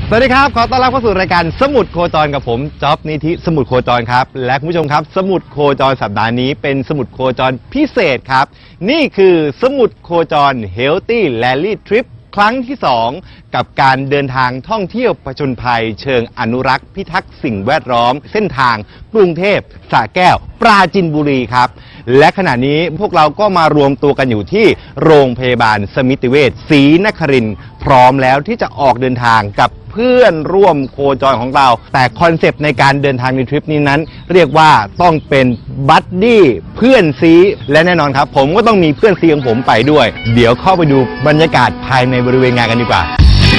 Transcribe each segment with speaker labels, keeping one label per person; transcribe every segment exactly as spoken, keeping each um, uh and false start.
Speaker 1: สวัสดีครับขอต้อนรับเข้าสู่รายการสมุดโคจรกับผมจ๊อบนิธิสมุดโคจรครับและคุณผู้ชมครับสมุดโคจรสัปดาห์นี้เป็นสมุดโคจรพิเศษครับนี่คือสมุดโคจร Healthy Rally Trip ครั้งที่สองกับการเดินทางท่องเที่ยวผจญภัยเชิงอนุรักษ์พิทักษ์สิ่งแวดล้อมเส้นทางกรุงเทพสระแก้วปราจีนบุรีครับและขณะนี้พวกเราก็มารวมตัวกันอยู่ที่โรงพยาบาลสมิติเวชศรีนครินทร์พร้อมแล้วที่จะออกเดินทางกับเพื่อนร่วมโคจรของเราแต่คอนเซปต์ในการเดินทางในทริปนี้นั้นเรียกว่าต้องเป็นบัดดี้เพื่อนซีและแน่นอนครับผมก็ต้องมีเพื่อนซีของผมไปด้วยเดี๋ยวเข้าไปดูบรรยากาศภายในบริเวณงานกันดีกว่า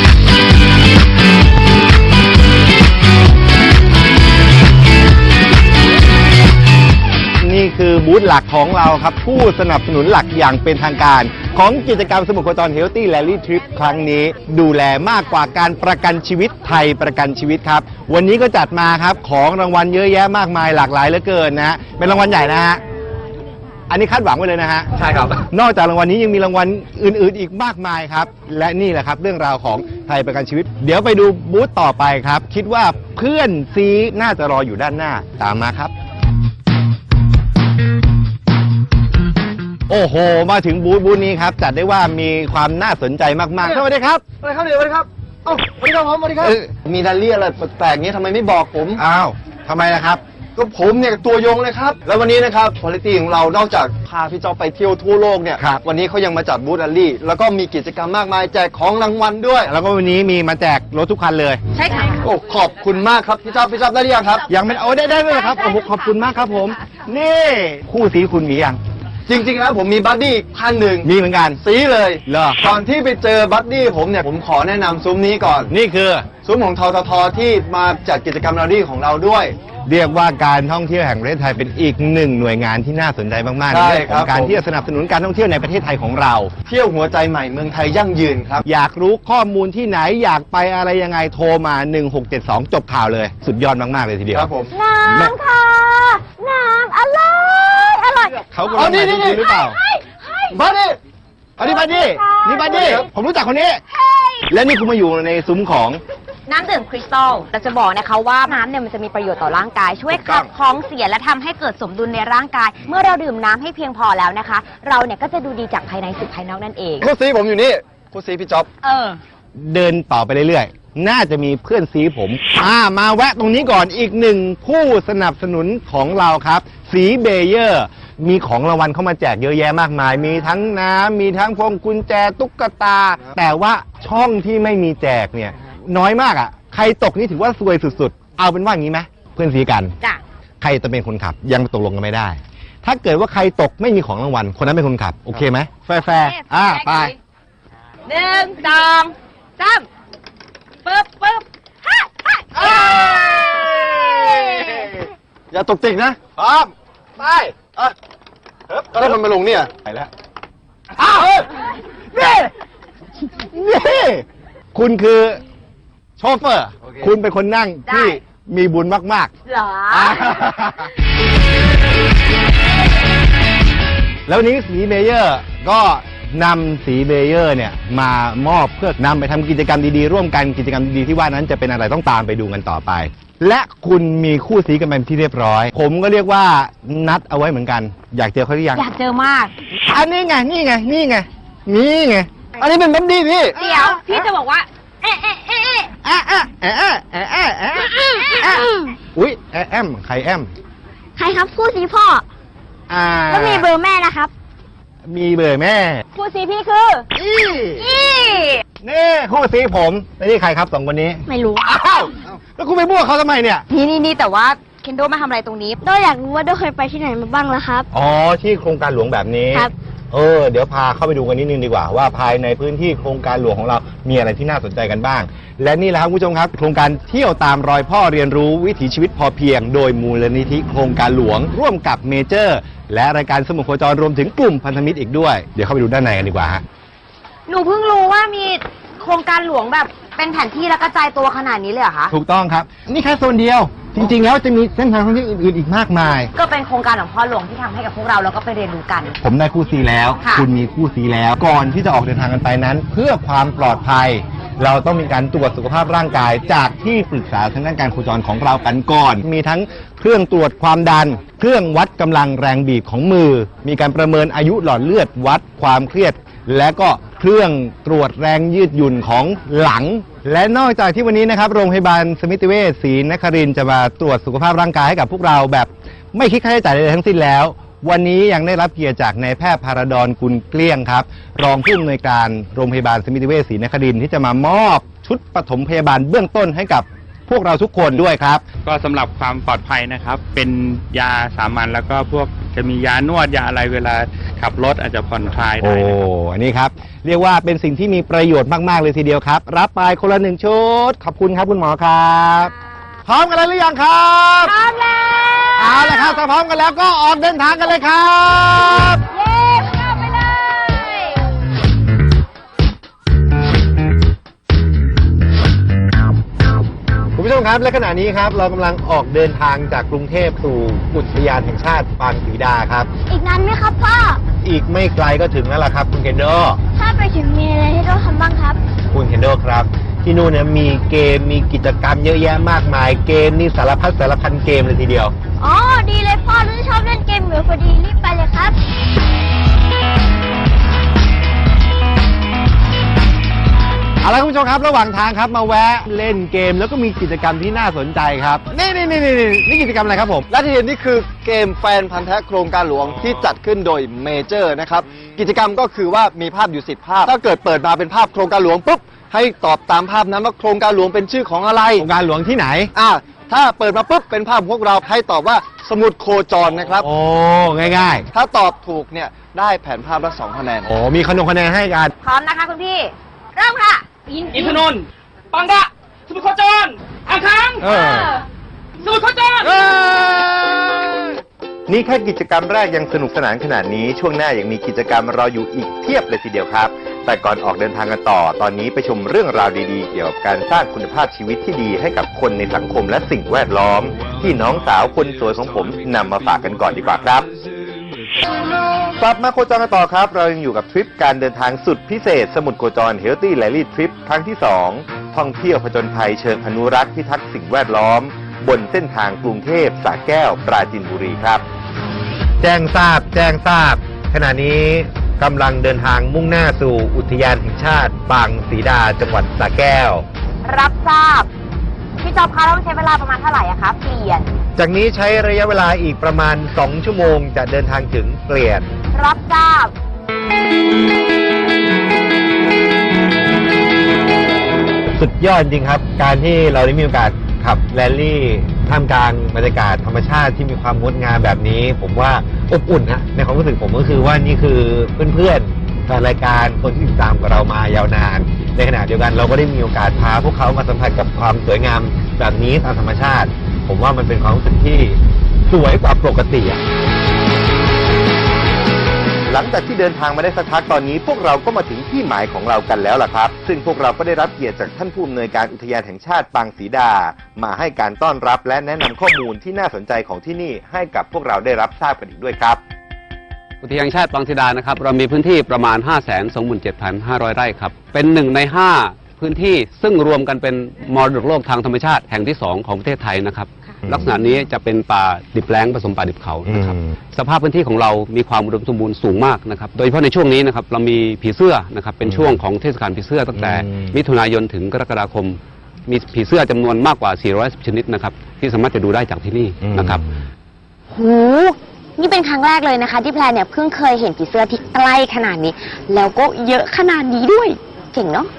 Speaker 1: นี่คือบูธหลักของเราครับผู้สนับสนุนหลักอย่างเป็นทางการของกิจกรรมสมุดโคจร Healthy Rally Trip ครั้งนี้ดูแลมากกว่าการประกันชีวิตไทยประกันชีวิตครับวันนี้ก็จัดมาครับของรางวัลเยอะแยะมากมายหลากหลายเหลือเกินนะฮะเป็นรางวัลใหญ่นะฮะอันนี้คาดหวังไว้เลยนะฮะใช่ครับนอกจากรางวัลนี้ยังมีรางวัลอื่นๆอีกมากมายครับและนี่แหละครับเรื่องราวของไทยประกันชีวิตเดี๋ยวไปดูบูธต่อไปครับคิดว่าเพื่อนซีน่าจะรออยู่ด้านหน้าตามมาครับโอ้โหมาถึงบูธบูธนี้ครับจัดได้ว่ามีความน่าสนใจมากๆสวัสดีครับ
Speaker 2: สวัสดีครับเดี๋ยวสวัสดีครับเอ้าสวัสดีครับผมสวัสดีครับมีดัลลี่อะไรแปลกๆนี้ทำไมไม่บอกผม
Speaker 1: อ้าวทำไมล่ะครับ
Speaker 2: ก็ผมเนี่ยตัวยงเลยครับแล้ววันนี้นะครับคุณภาพของเรานอกจากพาพี่จ๊อบไปเที่ยวทั่วโลกเนี่ยวันนี้เขายังมาจัดบูธดัลลี่แล้วก็มีกิจกรรมมากมายแจกของรางวัลด้วย
Speaker 1: แล้วก็วันนี้มีมาแจกรถทุกคันเลย
Speaker 3: ใช่ค่ะ
Speaker 2: โอ้ขอบคุณมากครับพี่จ๊อบพี่จ๊อบได้หรือยังครับ
Speaker 1: ยังไม่โอ้ได้ได้เลยครับโอ้โหขอบคุณมากครับผมนี่คู่สีคุณมียัง
Speaker 2: จริงๆแล้วผมมีบัดดี้คันหนึ่ง
Speaker 1: มีเหมือนกัน
Speaker 2: สีเลย
Speaker 1: เหรอ
Speaker 2: ก่อนที่ไปเจอบัดดี้ผมเนี่ยผมขอแนะนำซุ้มนี้ก่อน
Speaker 1: นี่คือ
Speaker 2: ซุ้มของทททที่มาจัดกิจกรรมดัลลี่ของเราด้วย
Speaker 1: เรียกว่าการท่องเที่ยวแห่งประเทศไทยเป็นอีกหนึ่งหน่วยงานที่น่าสนใจมากๆในเรื่องของการที่จะสนับสนุนการท่องเที่ยวในประเทศไทยของเรา
Speaker 2: เที่ยวหัวใจใหม่เมืองไทยยั่งยืนครับ
Speaker 1: อยากรู้ข้อมูลที่ไหนอยากไปอะไรยังไงโทรมาหนึ่งหกเจ็ดสองจบข่าวเลยสุดยอดมากๆเลยทีเดียว
Speaker 2: ครับผม
Speaker 3: น้ำค่ะน้ำอร่อยอร่อย
Speaker 1: เขากำลังมาจริงหรือเปล่า
Speaker 2: บัดดี้
Speaker 1: อันนี้บัดดี้นี่บัดดี้ผมรู้จักคนนี้และนี่คุณมาอยู่ในซุ้มของ
Speaker 3: น้ำดื่มคริสตัลเราจะบอกนะคะว่าน้ำเนี่ยมันจะมีประโยชน์ต่อร่างกายช่วยขับของเสียและทำให้เกิดสมดุลในร่างกายเมื่อเราดื่มน้ำให้เพียงพอแล้วนะคะเราเนี่ยก็จะดูดีจากภายในสู่ภายนอกนั่นเอง
Speaker 2: คู่ซีผมอยู่นี่คู่ซีพี่จ๊อบ
Speaker 3: เออ
Speaker 1: เดินต่อไปเรื่อยๆน่าจะมีเพื่อนซีผมอ่ามาแวะตรงนี้ก่อนอีกหนึ่งผู้สนับสนุนของเราครับสีเบเยอร์มีของรางวัลเข้ามาแจกเยอะแยะมากมายมีทั้งน้ำมีทั้งพวงกุญแจตุ๊กตาแต่ว่าช่องที่ไม่มีแจกเนี่ยน้อยมากอ่ะใครตกนี่ถือว่าซวยสุดๆเอาเป็นว่าอย่างนี้ไหมเพื่อนซีกัน
Speaker 3: จ้ะ
Speaker 1: ใครจะเป็นคนขับยังตกลงกันไม่ได้ถ้าเกิดว่าใครตกไม่มีของรางวัลคนนั้นเป็นคนขับโอเคไหมแฟร์ๆอ่าไป
Speaker 3: หนึ่งสองสามปึ๊บปึ๊บฮ่าฮ่า
Speaker 2: อย่าตกติกนะพร้อมไปเออก็ได้มันมาลงเนี่ย
Speaker 1: ไปแล้วอ้าวนี่นี่คุณคือโชเฟอร์ okay. คุณเป็นคนนั่งที่มีบุญมาก
Speaker 3: ๆเหรอ
Speaker 1: แล้วนี้สีเบเยอร์ก็นำสีเบเยอร์เนี่ยมามอบเพื่อนำไปทำกิจกรรมดีๆร่วมกันกิจกรรมดีๆที่ว่านั้นจะเป็นอะไรต้องตามไปดูกันต่อไปและคุณมีคู่สีกันเป็นที่เรียบร้อยผมก็เรียกว่านัดเอาไว้เหมือนกันอยากเจอเขาหรือยัง
Speaker 3: อยากเจอมาก
Speaker 1: อันนี้ไงนี่ไงนี่ไงนี่ไงอันนี้เป็นบัดดี้พี่
Speaker 3: เดี๋ยวพี่จะบอกว่าเอ๊ะเอ๊ะเอ๊ะเอ๊ะ
Speaker 1: เอ๊ะเอ๊ะเอ๊ะเอ๊ะเอ๊ะเอ๊ะเอ๊ะอุ้ยแอมใครแอม
Speaker 4: ใครครับคู่ซีพ่อ
Speaker 1: อ่า
Speaker 4: แล้วมีเบอร์แม่นะครับ
Speaker 1: มีเบอร์แม่
Speaker 3: คู่ซีพี่คือ
Speaker 1: อี
Speaker 3: อี
Speaker 1: นี่คู่ซีผมแล้วนี่ใครครับสองคนนี้
Speaker 4: ไม่รู้
Speaker 1: อ้าวแล้วคุณไปบ้วเขาทำไมเนี่ย
Speaker 3: นี่นี่นี่แต่ว่าเคนโดมาทำอะไรตรงนี้
Speaker 4: โดอยากรู้ว่าโดเคยไปที่ไหนมาบ้างแล้วครับ
Speaker 1: อ๋อที่โครงการหลวงแบบนี้
Speaker 4: ครับ
Speaker 1: เออเดี๋ยวพาเข้าไปดูกันนิดนึงดีกว่าว่าภายในพื้นที่โครงการหลวงของเรามีอะไรที่น่าสนใจกันบ้างและนี่แหละครับคุณผู้ชมครับโครงการเที่ยวตามรอยพ่อเรียนรู้วิถีชีวิตพอเพียงโดยมูลนิธิโครงการหลวงร่วมกับเมเจอร์และรายการสมุดโคจรรวมถึงกลุ่มพันธมิตรอีกด้วยเดี๋ยวเข้าไปดูด้านในกันดีกว่าฮะ
Speaker 3: หนูเพิ่งรู้ว่ามีโครงการหลวงแบบเป็นแผนที่และกระจายตัวขนาดนี้เลยเหรอคะ
Speaker 1: ถูกต้องครับนี่แค่โซนเดียวจริงๆแล้วจะมีเส้นทางท่องเที่ยวอื่นๆอีกมากมาย
Speaker 3: ก็เป็นโครงการของพ่อหลวงที่ทำให้กับพวกเราแล้วก็ไปเรียนรู้กัน
Speaker 1: ผมได้คู่ซีแล้วคุณมีคู่ซีแล้วก่อนที่จะออกเดินทางกันไปนั้นเพื่อความปลอดภัยเราต้องมีการตรวจสุขภาพร่างกายจากที่ปรึกษาทางด้านการโคจรของเรากันก่อน มีทั้งเครื่องตรวจความดัน เครื่องวัดกำลังแรงบีบของมือ มีการประเมินอายุหลอดเลือดวัดความเครียด และก็เครื่องตรวจแรงยืดหยุ่นของหลัง และนอกจากที่วันนี้นะครับโรงพยาบาลสมิติเวชศรีนครินทร์จะมาตรวจสุขภาพร่างกายให้กับพวกเราแบบไม่คิดค่าใช้จ่ายใดๆทั้งสิ้นแล้ว วันนี้ยังได้รับเกียรติจากนายแพทย์พาราดอนกุลเกลี้ยงครับรองผู้อำนวยการโรงพยาบาลสมิติเวชศรีนครินทร์ที่จะมามอบชุดปฐมพยาบาลเบื้องต้นให้กับพวกเราทุกคนด้วยครับ
Speaker 5: ก็สำหรับความปลอดภัยนะครับ เป็นยาสามัญแล้วก็พวกจะมียานวดยาอะไรเวลาขับรถอาจจะผ่อนคลาย
Speaker 1: โอ้
Speaker 5: ได้นะครับ
Speaker 1: อันนี้ครับเรียกว่าเป็นสิ่งที่มีประโยชน์มากๆเลยทีเดียวครับรับไปคนละหนึ่งชุดขอบคุณครับคุณหมอครับพร้อมกันแล้วหรือยังครับ
Speaker 3: พร้อมแล้ว
Speaker 1: เอาละครับถ้าพร้อมกันแล้วก็ออกเดินทางกันเลยครับ
Speaker 3: เย้เข้าไปเลย
Speaker 1: คุณผู้ชมครับและขณะนี้ครับเรากำลังออกเดินทางจากกรุงเทพสู่อุทยานแห่งชาติปางศรีดาครับ
Speaker 4: อีกนานไหมครับพ่อ
Speaker 1: อีกไม่ไกลก็ถึงแล้วล่ะครับคุณเคนโด
Speaker 4: ถ้าไปถึงมีอะไรให้เราทำบ้างครับ
Speaker 1: คุณเคนโดครับ ที่นู่นเนี่ยมีเกมมีกิจกรรมเยอะแยะมากมายเกมนี่สารพัดสารพันเกมเลยทีเดียว
Speaker 4: อ๋อ ดีเลยพ่อรู้ชอบเล่นเกมเหมือนพอดีรีบไปเลยครับ
Speaker 1: เอาละคุณผู้ชมครับระหว่างทางครับมาแวะเล่นเกมแล้วก็มีกิจกรรมที่น่าสนใจครับนี่นี่นี่นี่นี่กิจกรรมอะไรครับผม
Speaker 2: และที่เห็นนี่คือเกมแฟนพันธ์แท้โครงการหลวงที่จัดขึ้นโดยเมเจอร์นะครับกิจกรรมก็คือว่ามีภาพอยู่สิบภาพ ถ้าเกิดเปิดมาเป็นภาพโครงการหลวงปุ๊บให้ตอบตามภาพนั้นว่าโครงการหลวงเป็นชื่อของอะไร
Speaker 1: โครงการหลวงที่ไหน
Speaker 2: อ่าถ้าเปิดมาปุ๊บเป็นภาพของพวกเราให้ตอบว่าสมุดโคจรนะครับ
Speaker 1: โอ้ง่าย
Speaker 2: ถ้าตอบถูกเนี่ยได้แผนภาพละสองคะแนน
Speaker 1: ๆโอ้มีขนมคะแนนให้กัน
Speaker 3: พร้อมนะคะคุณพี่ เริ่มค่ะ
Speaker 6: อินทนนท์ปังกะสมุทรโคจรอ่างค้าง
Speaker 1: เออ
Speaker 6: สมุทรโคจร
Speaker 1: นี่แค่กิจกรรมแรกยังสนุกสนานขนาดนี้ช่วงหน้ายังมีกิจกรรมรออยู่อีกเพียบเลยทีเดียวครับ แต่ก่อนออกเดินทางกันต่อ ตอนนี้ไปชมเรื่องราวดีๆ เกี่ยวกับการสร้างคุณภาพชีวิตที่ดีให้กับคนในสังคมและสิ่งแวดล้อม ที่น้องสาวคนสวยของผมนำมาฝากกันก่อนดีกว่าครับกลับมาโคจรกันต่อครับ เรายังอยู่กับทริปการเดินทางสุดพิเศษสมุทรโคจร Healthy Rally Trip ครั้งที่สองท่องเที่ยวผจญภัยเชิงอนุรักษ์พิทักษ์สิ่งแวดล้อม บนเส้นทางกรุงเทพสระแก้วปราจีนบุรีครับ แจ้งทราบแจ้งทราบ ขณะนี้กำลังเดินทางมุ่งหน้าสู่อุทยานแห่งชาติปางศรีดาจังหวัดสระแก้ว
Speaker 3: รับทราบ พี่จอบคะต้องใช้เวลาประมาณเท่าไหร่อะคะเปลี่ยน
Speaker 1: จากนี้ใช้ระยะเวลาอีกประมาณ สอง ชั่วโมงจะเดินทางถึงเปลี่ยน
Speaker 3: รับทราบ
Speaker 1: สุดยอดจริงครับ การที่เราได้มีโอกาสขับแรลลี่ท่ามกลางบรรยากาศธรรมชาติที่มีความงดงามแบบนี้ ผมว่าอบอุ่นนะในความรู้สึกผมก็คือว่านี่คือเพื่อนๆแฟนรายการคนที่ติดตามกับเรามายาวนาน ในขณะเดียวกันเราก็ได้มีโอกาสพาพวกเขามาสัมผัสกับความสวยงามแบบนี้ตามธรรมชาติ ผมว่ามันเป็นความรู้สึกที่สวยกว่าปกติอะหลังจากที่เดินทางมาได้สักพักตอนนี้พวกเราก็มาถึงที่หมายของเรากันแล้วล่ะครับ ซึ่งพวกเราก็ได้รับเกียรติจากท่านผู้อำนวยการอุทยานแห่งชาติปางศรีดา มาให้การต้อนรับและแนะนำข้อมูลที่น่าสนใจของที่นี่ให้กับพวกเราได้รับทราบกันอีกด้วยครับ
Speaker 7: อุทยานแห่งชาติปางศรีดานะครับเรามีพื้นที่ประมาณ ห้าแสนสองหมื่นเจ็ดพันห้าร้อย ไร่ครับเป็นหนึ่งในห้าพื้นที่ซึ่งรวมกันเป็นมรดกโลกทางธรรมชาติแห่งที่สองของประเทศไทยนะครับลักษณะนี้จะเป็นป่าดิบแล้งผสมป่าดิบเขานะครับสภาพพื้นที่ของเรามีความอุดมสมบูรณ์สูงมากนะครับโดยเฉพาะในช่วงนี้นะครับเรามีผีเสื้อนะครับเป็นช่วงของเทศกาลผีเสื้อตั้งแต่มิถุนายนถึงกรกฎาคมมีผีเสื้อจำนวนมากกว่าสี่ร้อยสิบชนิดนะครับที่สามารถจะดูได้จากที่นี่นะครับ
Speaker 3: หูนี่เป็นครั้งแรกเลยนะคะ ที่แพรเนี่ยเพิ่งเคยเห็นผีเสื้อที่ใกล้ขนาดนี้ แล้วก็เยอะขนาดนี้ด้วยเก่งเนาะ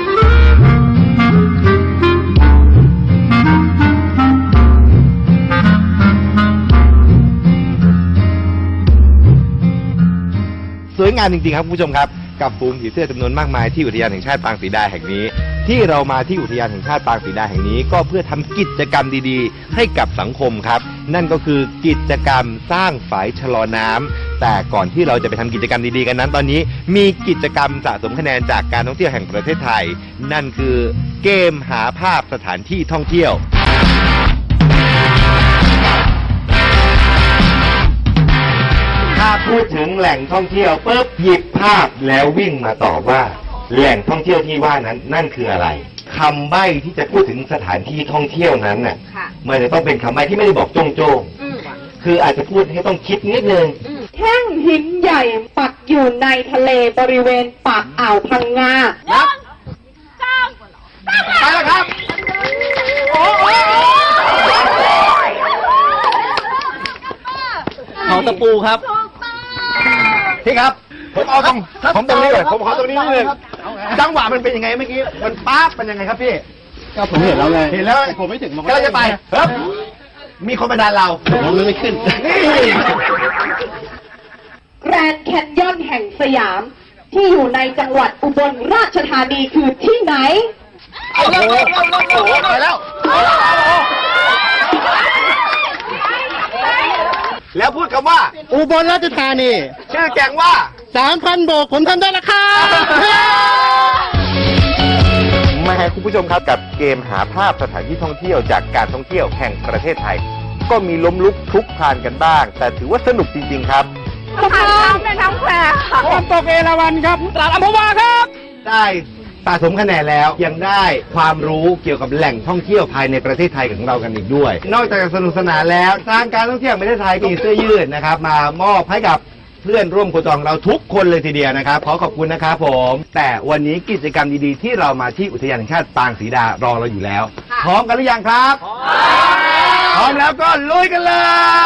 Speaker 1: สวยงามจริงๆครับคุณผู้ชมครับกับฝูงผีเสื้อจำนวนมากมายที่อุทยานแห่งชาติปางศรีดาแห่งนี้ ที่เรามาที่อุทยานแห่งชาติปางศรีดาแห่งนี้ก็เพื่อทำกิจกรรมดีๆ ให้กับสังคมครับนั่นก็คือกิจกรรมสร้างฝายชะลอน้ำแต่ก่อนที่เราจะไปทำกิจกรรมดีๆกันนั้นตอนนี้มีกิจกรรมสะสมคะแนนจากการท่องเที่ยวแห่งประเทศไทย นั่นคือเกมหาภาพสถานที่ท่องเที่ยวถ้าพูดถึงแหล่งท่องเที่ยวปุ๊บหยิบภาพแล้ววิ่งมาตอบว่าแหล่งท่องเที่ยวที่ว่านั้นนั่นคืออะไรคำใบ้ที่จะพูดถึงสถานที่ท่องเที่ยวนั้นน่ะ
Speaker 3: ค่ะ
Speaker 1: มันจะต้องเป็นคำใบ้ที่ไม่ได้บอกโจ้งโจ้งๆ
Speaker 3: อืม
Speaker 1: คืออาจจะพูดให้ต้องคิดนิดนึง
Speaker 8: แท่งหินใหญ่ปักอยู่ในทะเลบริเวณปากอ่าวพังงา
Speaker 1: นับไปแล้วครับเขาตะปูครับพี่ครับ ผมเอาตรงผมตรงนี้เลยผมขอตรงนี้นิดนึงจังหวะมันเป็นยังไงเมื่อกี้มันป๊าบเป็นยังไงครับพี่ก็ผมเห็นแล้วไงเห็นแล้วผมไม่ถึงก็จะไปครับมีคนมาดันเราผมไม่ขึ้นนี่
Speaker 8: แกรนด์แคนยอนแห่งสยาม ที่อยู่ในจังหวัดอุบลราชธานีคือที่ไหน
Speaker 1: โอ้โหโอ้โหไปแล้วแล้วพูดคำว่า
Speaker 2: อุบลราชธานี
Speaker 1: ชื่อแกงว่า
Speaker 2: สามพันโบกผมทำได้แล้วครับ
Speaker 1: มาให้คุณผู้ชมครับกับเกมหาภาพสถานที่ท่องเที่ยวจากการท่องเที่ยวแห่งประเทศไทย ก็มีล้มลุกคลุกคลานกันบ้าง แต่ถือว่าสนุกจริงๆครับ
Speaker 3: ผ่านน้ำในน้ำแควค่ะ
Speaker 6: น้ำตกเอราวัณครับตลาดอัมพวาครับ
Speaker 1: ได้สะสมคะแนนแล้วยังได้ความรู้เกี่ยวกับแหล่งท่องเที่ยวภายในประเทศไทยของเรากันอีกด้วย นอกจากจะสนุกสนานแล้วทางการท่องเที่ยวแห่งประเทศไทยมีเสื้อยืดนะครับมามอบให้กับเพื่อนร่วมโคจรของเราทุกคนเลยทีเดียวนะครับขอขอบคุณนะครับผมแต่วันนี้กิจกรรมดีๆที่เรามาที่อุทยานแห่งชาติปางศรีดารอเราอยู่แล้วพร้อมกันหรือยังครับพร้อมแล้วก็ลุยกันเลย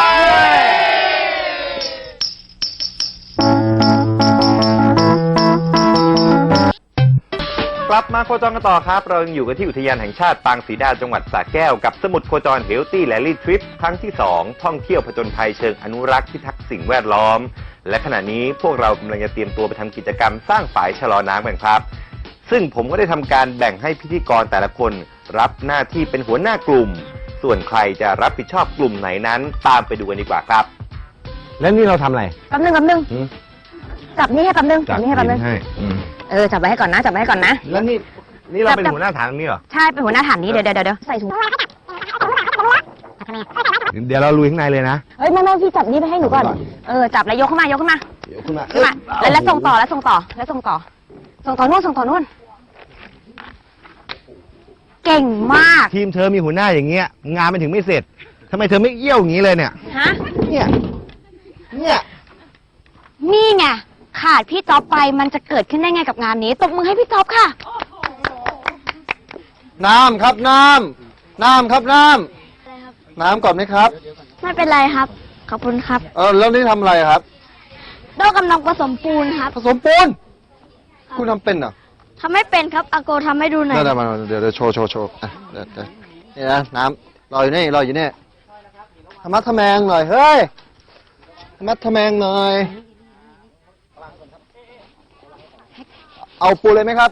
Speaker 1: กลับมาโคจรกันต่อครับเรายังอยู่กันที่อุทยานแห่งชาติปางศรีดาจังหวัดสระแก้วกับสมุดโคจรเฮลตี้แลลี่ทริปครั้งที่สองท่องเที่ยวผจญภัยเชิงอนุรักษ์พิทักษ์สิ่งแวดล้อมและขณะนี้พวกเรากำลังจะเตรียมตัวไปทำกิจกรรมสร้างฝายชะลอน้ำกันครับซึ่งผมก็ได้ทำการแบ่งให้พิธีกรแต่ละคนรับหน้าที่เป็นหัวหน้ากลุ่มส่วนใครจะรับผิดชอบกลุ่มไหนนั้นตามไปดูกันดีกว่าครับแล้วนี่เราทำอะไร
Speaker 3: แป๊บนึงแป๊บนึงจับนี่ให้แป๊บนึงจับนี่ให้แป๊บนึงเออจับไว้ให้ก่อนนะจับไว้ให้ก่อนนะ
Speaker 1: แล้วนี่นี่เราเป็นหัวหน้าฐานนี้เหรอ
Speaker 3: ใช่เป็นหัวหน้าฐานนี้เดี๋ยวเดี๋ยวเดี๋ยวใส่ถุง
Speaker 1: เดี๋ยวเราลุยข้างในเลยนะ
Speaker 3: เฮ้ยแม่แม่พี่จับนี่ไปให้หนูก่อนเออจับแล้วยกขึ้นมายกขึ้นมา
Speaker 1: เดี๋ยวขึ้นมา
Speaker 3: ขึ้นมาแล้วแล้วส่งต่อแล้วส่งต่อแล้วส่งต่อ ส่งต่อนู่นส่งต่อนู่นเก่งมาก
Speaker 1: ทีมเธอมีหัวหน้าอย่างเงี้ยงานมันถึงไม่เสร็จทำไมเธอไม่เอี้ยวอย่างนี้เลยเนี่ย
Speaker 3: ฮะ
Speaker 1: เนี่ยเนี่ย
Speaker 3: นี่ไงขาดพี่จ๊อบไปมันจะเกิดขึ้นได้ไงกับงานนี้ตบมือให้พี่จ๊อบค่ะ
Speaker 2: น้ำครับน้ำน้ำครับน้ำน้ำก่อนไหมครับ
Speaker 4: ไม่เป็นไรครับ ขอบคุณครับ
Speaker 2: เออแล้วนี่ทำอะไรครับ
Speaker 4: โดกำลังผสมปูนครับ
Speaker 2: ผสมปูนคุณทำเป็นเหรอ
Speaker 4: ทำไม่เป็นครับอาโกทำให้ดูหน่อย
Speaker 2: เดี๋ยวเดี๋ยวเดี๋ยวโชว์โชว์โชว์อ่ะเดี๋ยวเดี๋ยวนี่นะน้ำรออยู่นี่รออยู่นี่ธรรมะทะแมงหน่อยเฮ้ยธรรมะทะแมงหน่อยเอาปูเลยไหมครับ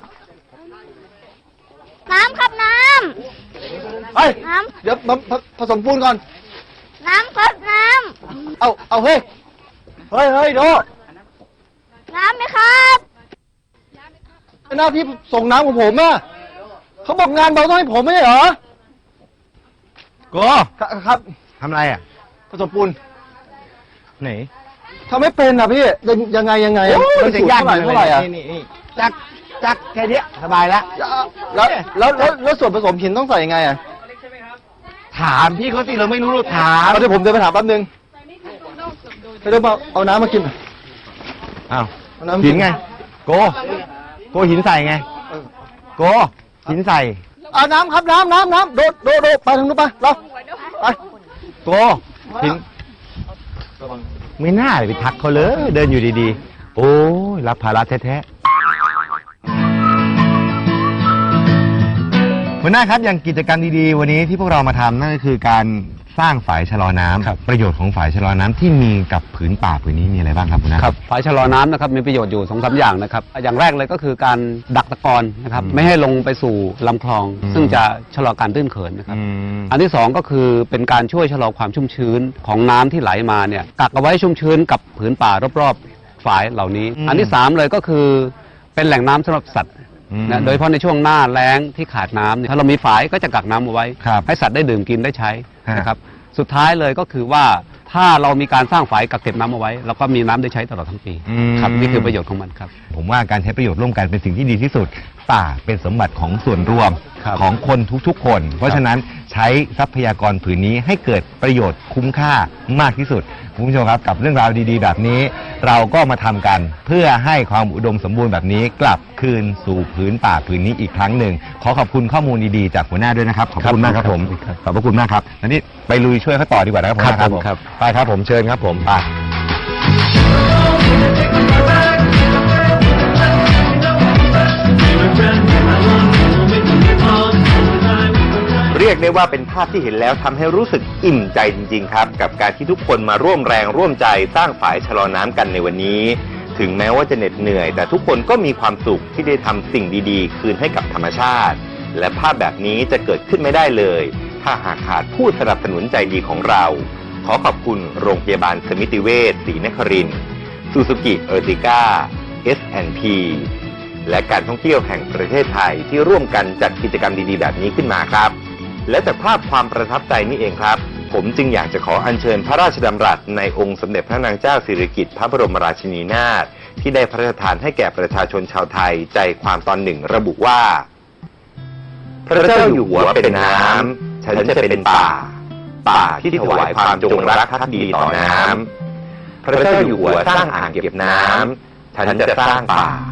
Speaker 4: น้ำครับน้
Speaker 2: เฮ้ย
Speaker 4: ำ น้
Speaker 2: เดี๋ยวมาผผสมปูนก่อน
Speaker 4: ำ น้ำครับน้
Speaker 2: เอาเอาเฮ้ยเฮ้ยเฮ้ยโด
Speaker 4: ำ น้ำไหมครับ
Speaker 2: หน้าที่ส่งน้ำของผมอะเขาบอกงานเบาต้องให้ผมไม่ใช่เหรอ
Speaker 1: โก
Speaker 2: ครับครับ
Speaker 1: ทำอะไรอ่ะ
Speaker 2: ผสมปูน
Speaker 1: ไหน
Speaker 2: ทำไม่เป็นอ่ะพี่ยังยังไงยังไงอะ
Speaker 1: โอ้ย
Speaker 2: มัน
Speaker 1: จะ
Speaker 2: สูตร
Speaker 1: ยาก
Speaker 2: เท่าไหร่เท่าไหร่อ่ะ
Speaker 1: นี่นี่นี่จักจักแค่เนี้ยสบายแล้ว
Speaker 2: แล้วแล้วแล้วแล้วส่วนผสมหินต้องใส่ยังไงอ่ะ
Speaker 1: ถามพี่เขาสิเราไม่รู้เราถาม
Speaker 2: เอาเดี๋ยวผมเดินไปถามแป๊บนึงไปเดี๋ยวมาเอาน้ำมากิน
Speaker 1: อ้าว
Speaker 2: เอาน้ำ
Speaker 1: หินไง โก โกหินใส่ไง
Speaker 2: เออ
Speaker 1: โกหินใส่
Speaker 2: เอาน้ำครับน้ำน้ำน้ำโดดโดดโดดไปทางนู้นไปเราไป
Speaker 1: โกหินไม่น่าเลยไปทักเขาเลย เดินอยู่ดีๆ โอ้ยรับภาระแท้ๆหัวหน้าครับอย่างกิจกรรมดีๆวันนี้ที่พวกเรามาทำนั่นก็คือการสร้างฝายชะลอน้ำประโยชน์ของฝายชะลอน้ำที่มีกับผืนป่าผืนนี้มีอะไรบ้างครับหัวหน้า
Speaker 7: ครับฝายชะลอน้ำนะครับมีประโยชน์อยู่สองสามอย่างนะครับอย่างแรกเลยก็คือการดักตะกอนนะครับ
Speaker 1: อืม
Speaker 7: ไม่ให้ลงไปสู่ลำคลอง
Speaker 1: อืม
Speaker 7: ซึ่งจะชะลอการตื้นเขินนะครับ
Speaker 1: อืม
Speaker 7: อันที่สองก็คือเป็นการช่วยชะลอความชุ่มชื้นของน้ำที่ไหลมาเนี่ยกักเอาไว้ชุ่มชื้นกับผืนป่ารอบๆฝายเหล่านี้
Speaker 1: อืม
Speaker 7: อันที่สามเลยก็คือเป็นแหล่งน้ำสำหรับสัตว์
Speaker 1: อืม
Speaker 7: นะโดยเฉพาะในช่วงหน้าแล้งที่ขาดน้ำเนี่ยถ้าเรามีฝายก็จะกักน้ำเอาไว้
Speaker 1: ครับ
Speaker 7: ให้สัตว์ได้ดื่มกินได้ใช้
Speaker 1: ฮะ
Speaker 7: นะครับสุดท้ายเลยก็คือว่าถ้าเรามีการสร้างฝายกักเก็บน้ำเอาไว้เราก็มีน้ำได้ใช้ตลอดทั้งปี
Speaker 1: อืม
Speaker 7: ครับนี่คือประโยชน์ของมันครับ
Speaker 1: ผมว่าการใช้ประโยชน์ร่วมกันเป็นสิ่งที่ดีที่สุด ป่าเป็นสมบัติของส่วนรวม
Speaker 7: ครับ
Speaker 1: ของคนทุกๆ คน เพราะฉะนั้นใช้ทรัพยากรผืนนี้ให้เกิดประโยชน์คุ้มค่ามากที่สุดคุณผู้ชมครับกับเรื่องราวดีๆ แบบนี้ เราก็มาทำกันเพื่อให้ความอุดมสมบูรณ์แบบนี้กลับคืนสู่พื้นป่าผืนนี้อีกครั้งหนึ่งขอขอบคุณข้อมูลดีๆจากหัวหน้าด้วยนะครับขอบคุณมากครับผมขอบพระคุณมากครับแล้วนี่ไปลุยช่วยเขาต่อดีกว่านะครับหัวหน้า
Speaker 7: ครับผมครับ
Speaker 1: ไปครับผมเชิญครับผมไป เรียกได้ว่าเป็นภาพที่เห็นแล้วทำให้รู้สึกอิ่มใจจริงๆครับกับการที่ทุกคนมาร่วมแรงร่วมใจสร้างฝายชะลอน้ำกันในวันนี้ ถึงแม้ว่าจะเหน็ดเหนื่อย แต่ทุกคนก็มีความสุขที่ได้ทำสิ่งดีๆ คืนให้กับธรรมชาติ และภาพแบบนี้จะเกิดขึ้นไม่ได้เลย ถ้าหากขาดผู้สนับสนุนใจดีของเรา ขอขอบคุณโรงพยาบาลสมิติเวชศรีนครินทร์ซูซูกิเออร์ติก้า เอส แอนด์ พี และการท่องเที่ยวแห่งประเทศไทยที่ร่วมกันจัดกิจกรรมดีๆแบบนี้ขึ้นมาครับ และจากภาพความประทับใจนี่เองครับ ผมจึงอยากจะขออัญเชิญพระราชดำรัสในองค์สมเด็จพระนางเจ้าสิริกิติ์พระบรมราชินีนาถที่ได้พระราชทานให้แก่ประชาชนชาวไทยใจความตอนหนึ่งระบุว่า พระเจ้าอยู่หัวเป็นน้ำฉันจะเป็นป่า ป่าที่ถวายความจงรักภักดีต่อน้ำพระเจ้าอยู่หัวสร้างอ่างเก็บน้ำฉันจะสร้างป่า